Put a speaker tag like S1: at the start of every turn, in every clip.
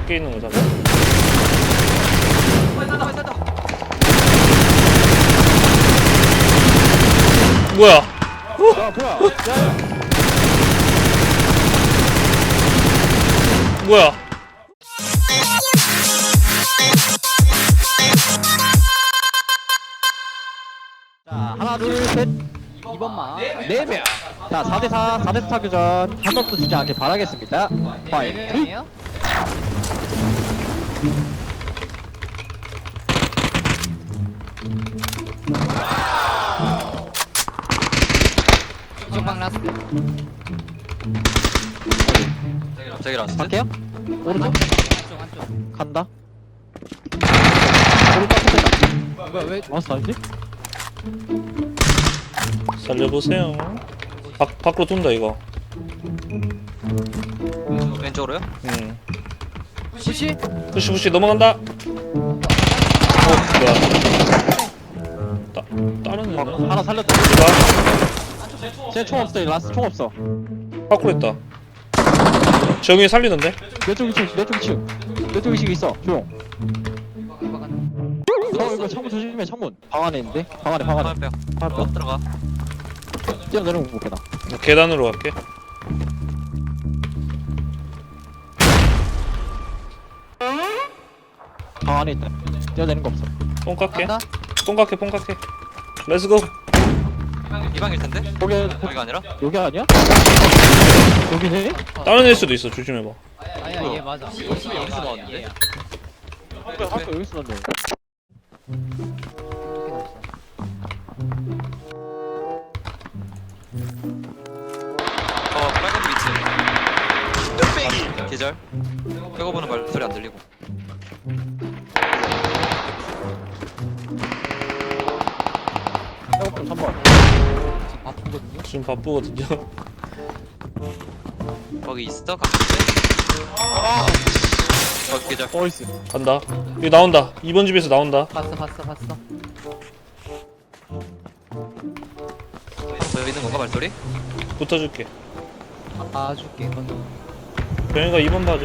S1: 밖에 있는 거잖아. 뭐야?
S2: 야 뭐야?
S1: 뭐야?
S2: 자 하나 둘셋 2번만 4명. 자 4대4 4대4 교전 한 번도 지지 않게 바라겠습니다. 파이팅.
S3: 이에요? 이쪽 방 라스트.
S4: 갑자기 라스트?
S2: 갈게요. 오른쪽
S3: 한쪽.
S2: 간다. 오른쪽 앞에
S3: 뭐야 왜?
S2: 마우스 아니지?
S1: 살려보세요. 밖으로 돈다 이거.
S4: 왼쪽으로요?
S3: 푸시?
S1: 푸시 넘어간다. 뭐야? 다른 애나?
S2: 하나 살렸다.
S1: 이거
S2: 쟤총 없어. 라스트 총 없어.
S1: 밖으로 했다. 정이 살리는데?
S2: 내쪽 2층 내쪽 2층 내쪽 2층 있어. 조용. 이거 창문 조심해. 창문 방 안에 있는데? 방 안에
S4: 화면뼈
S2: 화면뼈
S4: 들어가.
S2: 뛰어내리는 거 못해나.
S1: 계단으로 갈게.
S2: 방 안에 있다. 뛰어내리는 거 없어.
S1: 뽕 깎게.
S3: 간다?
S1: 뽕 깎게. 뽕 깎게. 렛츠고.
S4: 이 방일 텐데? 여기가 아니라?
S2: 여기 아니야? 여기네?
S1: 다른 애일 수도 있어. 조심해봐.
S3: 아니야 얘 맞아.
S4: 여기서 나왔는데?
S2: 학교 여기 있었는데.
S4: 빨간 빛이 계절. 빼고 보는 말소리 안 들리고.
S2: 해고편 3번.
S3: 바쁘거든요.
S1: 지금 바쁘거든요.
S4: 거기 있어? 가깝게? 거기 계절.
S2: 어이스.
S1: 간다. 여기 나온다. 2번 집에서 나온다.
S3: 봤어.
S4: 저 있는 건가 말소리?
S1: 붙어줄게.
S3: 봐줄게. 먼저.
S1: 병이가 2번 봐줘.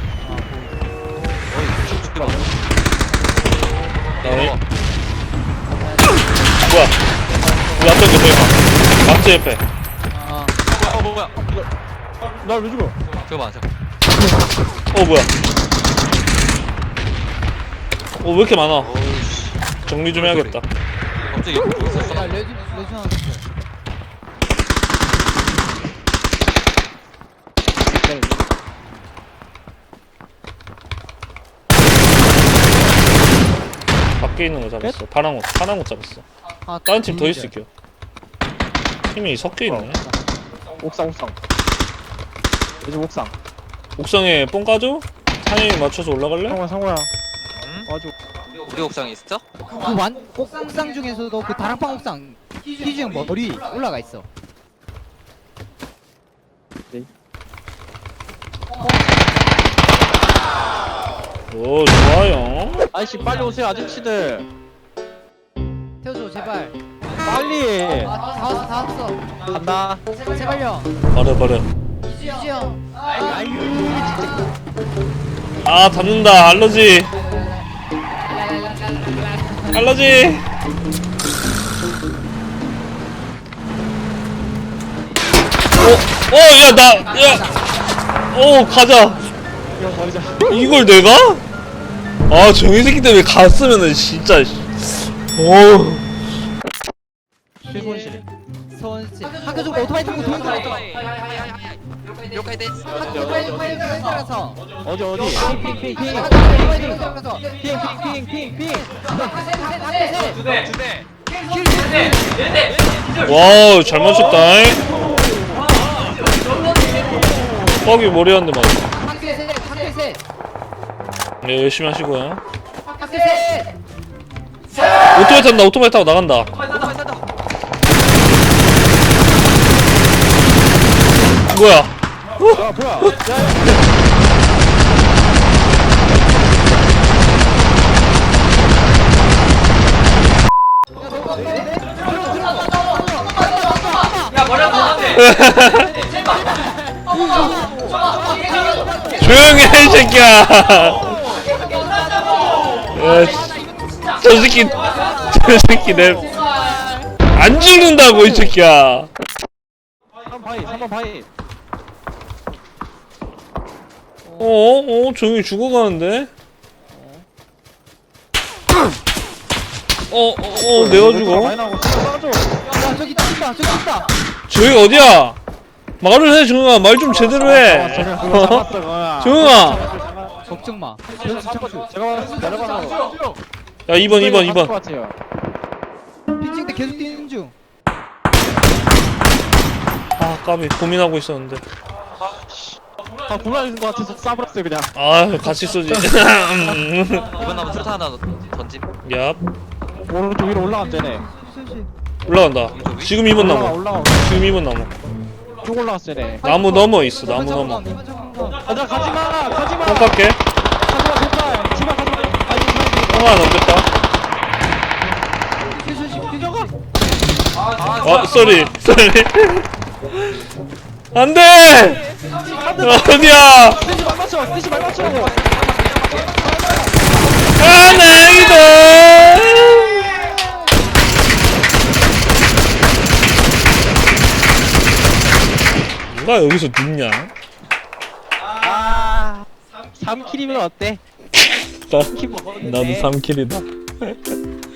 S4: 어이 죽게 봐.
S1: 어이. 뭐야? 우리 앞에 그 병이가. 막지 옆에.
S3: 아
S4: 뭐야?
S2: 날 왜 죽어?
S4: 저거 봐.
S1: 뭐야? 왜 이렇게 많아?
S4: 오우씨.
S1: 정리 좀 해야겠다.
S4: 갑자기 여기 있었어.
S3: 야 레드 하나 줬어.
S1: 밖에 있는 거 잡았어. 파란 옷 잡았어.
S3: 아
S1: 다른 팀 더 있을게요. 팀이 섞여 있네.
S2: 옥상. 요즘 옥상.
S1: 옥상에 뽕 까줘? 타이밍 맞춰서 올라갈래?
S2: 상호야.
S4: 응?
S2: 아주.
S4: 우리 옥상에 있어?
S3: 옥상 중에서도 그 다락방 옥상 희주 형 머리 올라가 있어.
S1: 오 좋아요.
S2: 아저씨 빨리 오세요 아저씨들.
S3: 태워줘 제발.
S2: 빨리.
S3: 다 왔어.
S2: 간다.
S3: 제발요.
S1: 버려.
S3: 희주 형.
S1: 아 닿는다. 알러지. 가자.
S2: 이거 버리자.
S1: 이걸 내가? 아 정이 새끼 때문에 갔으면은 진짜.
S2: 최손실.
S3: 서원씨. 학교 쪽 오토바이 타고 도망가.
S4: 요카이 데스.
S3: 오토바이 들어가서.
S2: 어디? 핑.
S3: 오토바이 들어가서.
S2: 핑.
S1: 와우 잘 맞췄다. 뻑이 머리한데 맞아.
S3: 학교 셋.
S1: 네 열심히 하시고요.
S3: 학교 셋.
S1: 오토바이 타고 나간다. 뭐야?
S2: 야 뭐야?
S1: 조용히 해, 이 새끼야. 야, 저 새끼 안 죽는다고, 이 새끼야.
S2: 3번 바위.
S1: 조용히 죽어가는데? 내가 죽어?
S2: 많이 나오고 쏴줘.
S3: 야 저기 뛴다.
S1: 저기 어디야? 말을 해, 정영아. 말 좀 제대로 해. 정영아.
S3: 걱정 마. 변수 창수.
S2: 제가 내려가서
S1: 야, 2번.
S2: 같아요.
S3: 피칭 때 계속 뛰는 중.
S1: 아, 까비. 고민하고 있었는데.
S2: 불안해진 것 같아서 싸버렸어요 그냥.
S1: 아, 같이 쏘지.
S4: 이번 남은 수류탄 하나 던짐.
S1: 얍.
S2: 오른쪽 위로 올라가면 되네.
S3: 슬슬.
S1: 올라간다. 지금 2번 남아.
S2: 올라가.
S1: 지금 2번 남아.
S2: 쭉 올라갔어야 돼.
S1: 나무 넘어 있어, 나무 넘어.
S3: 이번 잡은 거.
S2: 가자 가지마.
S1: 똥 깎게.
S2: 가지마 제발 가지마. 아니
S1: 하나 넘겼다.
S3: 뛰어가.
S1: 쏘리. 안 돼! 어디야?
S2: 뛰지 말 맞추라고.
S1: 아, 나이다! 누가 여기서 눕냐?
S2: 3킬이면 어때?
S1: 나도 3킬이다.